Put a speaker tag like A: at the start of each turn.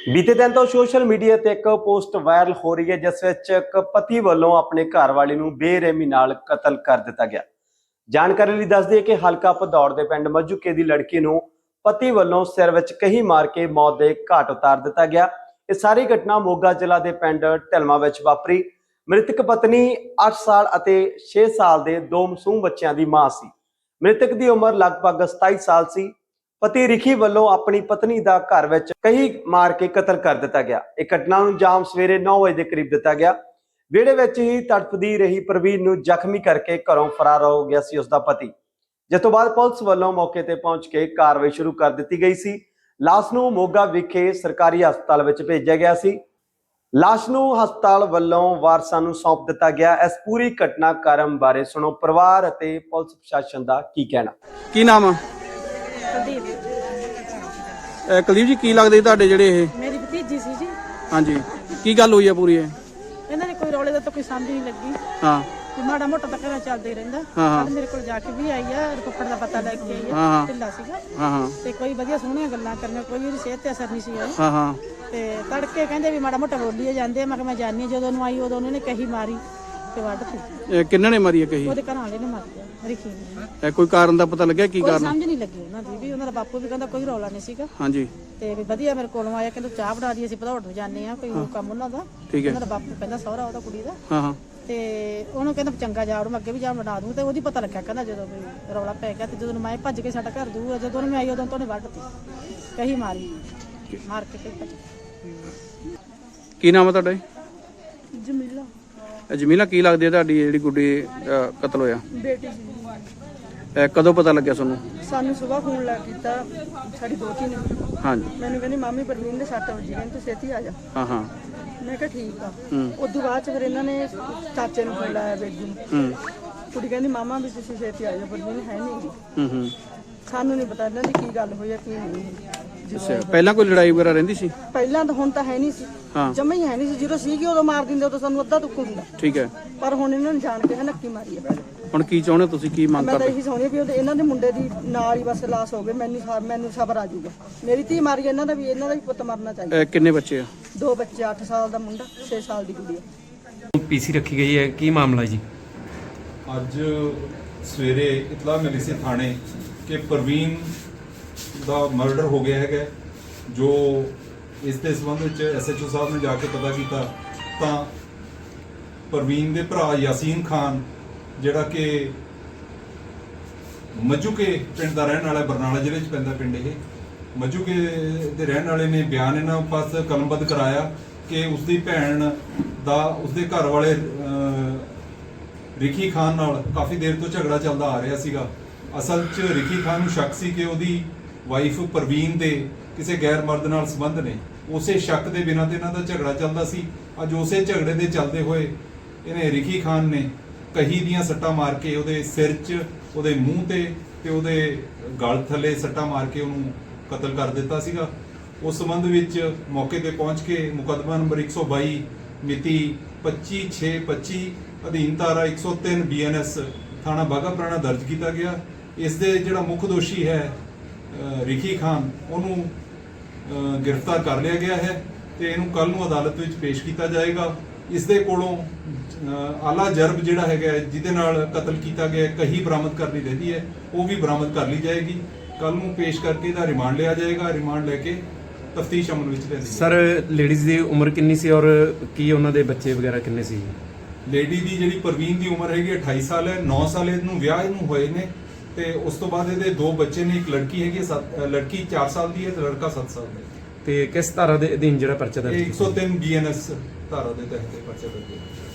A: बीते दिन तो सोशल मीडिया ते एक पोस्ट वायरल हो रही है जिस विच एक पति वालों अपने घर वाली नूं बेरहमी नाल कतल कर दिता गया। जानकारी लई दस दईए कि हलका भदौड़ दे पिंड मजूके दी लड़की नूं पति वालों सिर विच कही मार के मौत दे घाट उतार दिता गया। यह सारी घटना मोगा जिला दे पिंड ढिलमा विच वापरी। मृतक पत्नी 8 साल अते 6 साल दे दो मासूम बच्चों की मां सी। मृतक की उम्र लगभग 27 साल सी। पति रिखी वालों अपनी पत्नी का घर विच कही मार के कतल कर दिता गया। एक घटना नूं अंजाम सवेरे 9 बजे के करीब दिता गया। विहड़े विच ही तड़फदी रही प्रवीण नूं जख्मी करके घरों फरार हो गया सी उसका पति, जिस तो बाद पुलिस वालों मौके ते पहुंच के कार्रवाई शुरू कर दी गई सी। लाश नूं मोगा विखे सरकारी हस्पताल विच भेजा गया सी। लाश नूं हस्पताल वालों वारसां नूं सौंप दिता गया। इस पूरी घटनाक्रम बारे सुनो परिवार अते पुलिस प्रशासन का की कहना।
B: की नाम आ? कुलदीप जी की लगदे तुहाडे ਜਿਹੜੇ ਇਹ?
C: मेरी भतीजी सी जी।
B: ਹਾਂਜੀ ਕੀ ਗੱਲ ਹੋਈ ਆ ਪੂਰੀ ਇਹ?
C: ਇਹਨਾਂ ਨੇ ਕੋਈ ਰੌਲੇ ਦਾ ਤਾਂ ਕੋਈ ਸਮਝ ਨਹੀਂ ਲੱਗੀ।
B: ਹਾਂ
C: ਤੇ ਮਾੜਾ ਮੋਟਾ ਤਾਂ ਘਰਾਂ ਚੱਲਦਾ ਹੀ ਰਹਿੰਦਾ।
B: ਹਾਂ।
C: ਮੇਰੇ ਕੋਲ ਜਾ ਕੇ ਵੀ ਆਈ ਆ, ਰਿਪੋਰਟ ਦਾ ਪਤਾ ਲੈ ਕੇ ਆਈ ਆ।
B: ਹਾਂ।
C: ਢਿੱਲਾ ਸੀਗਾ
B: ਹਾਂ ਹਾਂ
C: ਤੇ ਕੋਈ ਵਧੀਆ ਸੋਹਣੀਆਂ ਗੱਲਾਂ ਕਰਨੀਆਂ, ਕੋਈ ਉਹਦੀ ਸਿਹਤ ਤੇ ਅਸਰ ਨਹੀਂ ਸੀ ਹੋਇਆ।
B: ਹਾਂ ਹਾਂ
C: ਤੇ ਤੜਕੇ ਕਹਿੰਦੇ ਵੀ ਮਾੜਾ ਮੋਟਾ ਬੋਲੀਏ ਜਾਂਦੇ। ਮੈਂ ਕਿਹਾ ਮੈਂ ਜਾਣੀ, ਜਦੋਂ ਨੂੰ ਆਈ ਉਦੋਂ ਉਹਨੇ ਕਹੀ ਮਾਰੀ ਤੇ ਵੱਢਤੀ।
B: ਇਹ ਕਿੰਨਾਂ ਨੇ ਮਾਰੀ ਆ ਕਹੀ?
C: ਉਹਦੇ ਘਰ ਵਾਲੇ ਨੇ ਮਾਰਿਆ, ਰਿਖੀ ਨੇ।
B: ਇਹ ਕੋਈ ਕਾਰਨ ਦਾ ਪਤਾ ਲੱਗਿਆ ਕੀ
C: ਕੋਈ
B: ਕਾਰਨ?
C: ਸਮਝ ਨਹੀਂ ਲੱਗੀ ਉਹਨਾਂ ਦੀ ਵੀ। ਉਹਨਾਂ ਦਾ ਬਾਪੂ ਵੀ ਕਹਿੰਦਾ ਕੋਈ ਰੌਲਾ ਨਹੀਂ ਸੀਗਾ
B: ਹਾਂਜੀ
C: ਤੇ ਵੀ ਵਧੀਆ ਮੇਰੇ ਕੋਲੋਂ ਆਇਆ, ਕਹਿੰਦਾ ਚਾਹ ਬਣਾ ਦੀ, ਅਸੀਂ ਭਦੌੜ ਨੂੰ ਜਾਂਦੇ ਆ, ਕੋਈ ਕੰਮ ਉਹਨਾਂ ਦਾ।
B: ਠੀਕ ਹੈ।
C: ਉਹਨਾਂ ਦਾ ਬਾਪੂ ਕਹਿੰਦਾ ਸਹੁਰਾ ਉਹਦਾ ਕੁੜੀ ਦਾ।
B: ਹਾਂ ਹਾਂ
C: ਤੇ ਉਹਨੂੰ ਕਹਿੰਦਾ ਚੰਗਾ ਜਾ ਮੈਂ ਅੱਗੇ ਵੀ ਜਾ ਬਣਾ ਦੂੰ। ਤੇ ਉਹਦੀ ਪਤਾ ਲੱਗਿਆ, ਕਹਿੰਦਾ ਜਦੋਂ ਵੀ ਰੌਲਾ ਪੈ ਗਿਆ ਤੇ ਜਦੋਂ ਮੈਂ ਭੱਜ ਕੇ ਸਾਡਾ ਘਰ ਦੂਰ, ਜਦੋਂ ਉਹਨੇ ਆਈ ਉਦੋਂ ਤੋਂ ਉਹਨੇ ਵੱਢਤੀ, ਕਹੀ ਮਾਰੀ, ਮਾਰ ਕੇ ਭੱਜ ਗਈ।
B: ਕੀ ਨਾਮ ਆ ਤੁਹਾਡਾ ਜੀ?
C: ਜਮੀਲਾ
B: ਜਮੀਲਾ ਕੀ ਲੱਗਦੀ ਹੈ ਤੁਹਾਡੀ ਜਿਹੜੀ ਗੁੱਡੀ ਕਤਲ ਹੋਇਆ?
C: ਬੇਟੀ ਸੀ।
B: ਕਦੋਂ ਪਤਾ ਲੱਗਿਆ ਤੁਹਾਨੂੰ?
C: ਸਾਨੂੰ ਸਵੇਰ ਫੋਨ ਲਾ ਕੀਤਾ ਸਾਡੀ ਦੋਤੀ ਨੇ।
B: ਹਾਂਜੀ
C: ਮੈਨੂੰ ਕਹਿੰਦੀ ਮਾਮੀ ਪ੍ਰਵੀਨ ਦੇ 7 ਵਜੇ, ਕਹਿੰਦੀ ਤੂੰ ਛੇਤੀ ਆ ਜਾ।
B: ਹਾਂ ਹਾਂ
C: ਮੈਂ ਕਿਹਾ ਠੀਕ ਆ।
B: ਹੂੰ
C: ਉਦੋਂ ਬਾਅਦ ਚ ਫਿਰ ਇਹਨਾਂ ਨੇ ਚਾਚੇ ਨੂੰ ਫੋਨ ਲਾਇਆ, ਬੇਟੀ ਨੂੰ।
B: ਹੂੰ
C: ਕੁੜੀ ਕਹਿੰਦੀ ਮਾਮਾ ਵੀ ਤੁਸੀਂ ਛੇਤੀ ਆ ਜਾ, ਪ੍ਰਵੀਨ ਹੈ ਨਹੀਂ।
B: ਹੂੰ ਹੂੰ
C: ਸਾਨੂੰ ਨਹੀਂ ਪਤਾ ਇਹਨਾਂ ਦੀ ਕੀ ਗੱਲ ਹੋਈ ਆ ਕੀ ਨਹੀਂ।
B: ਅੱਛਾ ਪਹਿਲਾਂ ਕੋਈ ਲੜਾਈ ਵਗੈਰਾ ਰਹਿੰਦੀ ਸੀ?
C: ਪਹਿਲਾਂ ਤਾਂ ਹੁਣ ਤਾਂ ਹੈ ਨਹੀਂ ਸੀ,
B: ਹਾਂ
C: ਜਮਾ ਹੀ ਹੈ ਨਹੀਂ ਸੀ। ਜਦੋਂ ਸੀਗੀ ਉਦੋਂ ਮਾਰ ਦਿੰਦੇ, ਉਦੋਂ ਸਾਨੂੰ ਅੱਧਾ ਦੁੱਖ ਹੁੰਦਾ।
B: ਠੀਕ ਹੈ।
C: ਪਰ ਹੁਣ ਇਹਨਾਂ ਨੇ ਜਾਣ ਕੇ ਨੱਕੀ ਮਾਰੀ ਆ।
B: ਹੁਣ ਕੀ ਚਾਹੁੰਦੇ ਤੁਸੀਂ, ਕੀ ਮੰਗ
C: ਮੈਂ ਤਾਂ
B: ਕਰਦੇ?
C: ਇਹੀ ਚਾਹੁੰਦੀ ਵੀ ਇਹਨਾਂ ਦੇ ਮੁੰਡੇ ਦੀ ਨਾਲ ਹੀ ਬਸ ਲਾਸ਼ ਹੋ ਗਏ। ਮੈਨੂੰ ਸਬਰ ਆ ਜਾਊਗਾ। ਮੇਰੀ ਧੀ ਮਾਰੀ, ਇਹਨਾਂ ਦਾ ਵੀ ਪੁੱਤ ਮਰਨਾ ਚਾਹੀਦਾ।
B: ਕਿੰਨੇ ਬੱਚੇ ਆ?
C: 2 ਬੱਚੇ, 8 ਸਾਲ ਦਾ ਮੁੰਡਾ, 6 ਸਾਲ ਦੀ ਕੁੜੀ ਆ।
D: ਪੀਸੀ ਰੱਖੀ ਗਈ ਹੈ, ਕੀ ਮਾਮਲਾ ਜੀ?
E: ਅੱਜ ਸਵੇਰੇ ਇਤਲਾਹ ਮਿਲੀ ਸੀ ਥਾਣੇ ਕਿ ਪ੍ਰਵੀਨ ਦਾ ਮਰਡਰ ਹੋ ਗਿਆ ਹੈਗਾ। ਜੋ ਇਸ ਦੇ ਸੰਬੰਧ ਵਿੱਚ ਐਸਐਚਓ ਸਾਹਿਬ ਨੇ ਜਾ ਕੇ ਪਤਾ ਕੀਤਾ ਤਾਂ ਪ੍ਰਵੀਨ ਦੇ ਭਰਾ ਯਾਸੀਨ ਖਾਨ, ਜਿਹੜਾ ਕਿ ਮਜੂਕੇ ਪਿੰਡ ਦਾ ਰਹਿਣ ਵਾਲਾ, ਬਰਨਾਲਾ ਜ਼ਿਲ੍ਹੇ 'ਚ ਪੈਂਦਾ ਪਿੰਡ ਇਹ, ਮਜੂਕੇ ਦੇ ਰਹਿਣ ਵਾਲੇ ਨੇ ਬਿਆਨ ਇਹਨਾਂ ਪਾਸ ਕਲਮਬੱਧ ਕਰਾਇਆ ਕਿ ਉਸਦੀ ਭੈਣ ਦਾ ਉਸਦੇ ਘਰ ਵਾਲੇ ਰਿਖੀ ਖਾਨ ਨਾਲ ਕਾਫੀ ਦੇਰ ਤੋਂ ਝਗੜਾ ਚੱਲਦਾ ਆ ਰਿਹਾ ਸੀਗਾ। ਅਸਲ 'ਚ ਰਿਖੀ ਖਾਨ ਨੂੰ ਸ਼ੱਕ ਸੀ ਕਿ ਉਹਦੀ ਵਾਈਫ ਪ੍ਰਵੀਨ ਦੇ ਕਿਸੇ ਗੈਰ ਮਰਦ ਨਾਲ ਸੰਬੰਧ ਨੇ। ਉਸੇ ਸ਼ੱਕ ਦੇ ਬਿਨਾਂ ਤੇ ਇਹਨਾਂ ਦਾ ਝਗੜਾ ਚੱਲਦਾ ਸੀ। ਅੱਜ ਉਸੇ ਝਗੜੇ ਦੇ ਚੱਲਦੇ ਹੋਏ ਇਹਨੇ ਰਿਖੀ ਖਾਨ ਨੇ ਕਹੀ ਦੀਆਂ ਸੱਟਾਂ ਮਾਰ ਕੇ ਉਹਦੇ ਸਿਰ 'ਚ, ਉਹਦੇ ਮੂੰਹ ਤੇ ਉਹਦੇ ਗਲ ਥੱਲੇ ਸੱਟਾਂ ਮਾਰ ਕੇ ਉਹਨੂੰ ਕਤਲ ਕਰ ਦਿੱਤਾ ਸੀਗਾ। ਉਸ ਸੰਬੰਧ ਵਿੱਚ ਮੌਕੇ ਤੇ ਪਹੁੰਚ ਕੇ ਮੁਕੱਦਮਾ ਨੰਬਰ 122 ਮਿਤੀ 25/6/25 ਅਧੀਨ ਧਾਰਾ 103 BNS ਥਾਣਾ ਬਾਘਾ ਪੁਰਾਣਾ ਦਰਜ ਕੀਤਾ ਗਿਆ। ਇਸ ਦੇ ਜਿਹੜਾ ਮੁੱਖ ਦੋਸ਼ੀ ਹੈ ਰਿਖੀ ਖਾਨ, ਉਹਨੂੰ ਗ੍ਰਿਫਤਾਰ ਕਰ ਲਿਆ ਗਿਆ ਹੈ ਤੇ ਇਹਨੂੰ ਕੱਲ ਨੂੰ ਅਦਾਲਤ ਵਿੱਚ ਪੇਸ਼ ਕੀਤਾ ਜਾਏਗਾ। ਇਸ ਦੇ ਕੋਲੋਂ ਆਲਾ ਜਰਬ ਜਿਹੜਾ ਹੈਗਾ ਜਿਹਦੇ ਨਾਲ ਕਤਲ ਕੀਤਾ ਗਿਆ ਕਹੀ ਬਰਾਮਦ ਕਰਨੀ ਰਹਿੰਦੀ ਹੈ, ਉਹ ਵੀ ਬਰਾਮਦ ਕਰ ਲਈ ਜਾਏਗੀ। ਕੱਲ ਨੂੰ ਪੇਸ਼ ਕਰਕੇ ਇਹਦਾ ਰਿਮਾਂਡ ਲਿਆ ਜਾਏਗਾ। ਰਿਮਾਂਡ ਲੈ ਕੇ ਤਫਤੀਸ਼ ਅਮਲ ਵਿੱਚ ਲੈਂਦੀ ਹੈ।
D: ਸਰ ਲੇਡੀਜ਼ ਦੀ ਉਮਰ ਕਿੰਨੀ ਸੀ ਔਰ ਕੀ ਉਹਨਾਂ ਦੇ ਬੱਚੇ ਵਗੈਰਾ ਕਿੰਨੇ ਸੀ?
E: ਲੇਡੀ ਦੀ ਜਿਹੜੀ ਪ੍ਰਵੀਨ ਦੀ ਉਮਰ ਹੈਗੀ 28 ਸਾਲ ਹੈ। 9 ਸਾਲ ਇਹਨੂੰ ਵਿਆਹ ਇਹਨੂੰ ਹੋਏ ਨੇ ਤੇ ਉਸ ਤੋਂ ਬਾਅਦ ਇਹਦੇ 2 ਬੱਚੇ ਨੇ। ਇੱਕ ਲੜਕੀ ਹੈਗੀ, ਲੜਕੀ 4 ਸਾਲ ਦੀ ਹੈ ਤੇ ਲੜਕਾ 7 ਸਾਲ ਦਾ ਹੈ।
D: ਤੇ ਕਿਸ ਧਾਰਾ ਦੇ ਅਧੀਨ ਜਿਹੜਾ ਪਰਚਾ ਦਰਜ
E: ਇਹ
D: ਕੀਤਾ?
E: 103 BNS ਧਾਰਾ ਦੇ ਤਹਿਤ ਪਰਚਾ ਦਰਜ ਹੈ।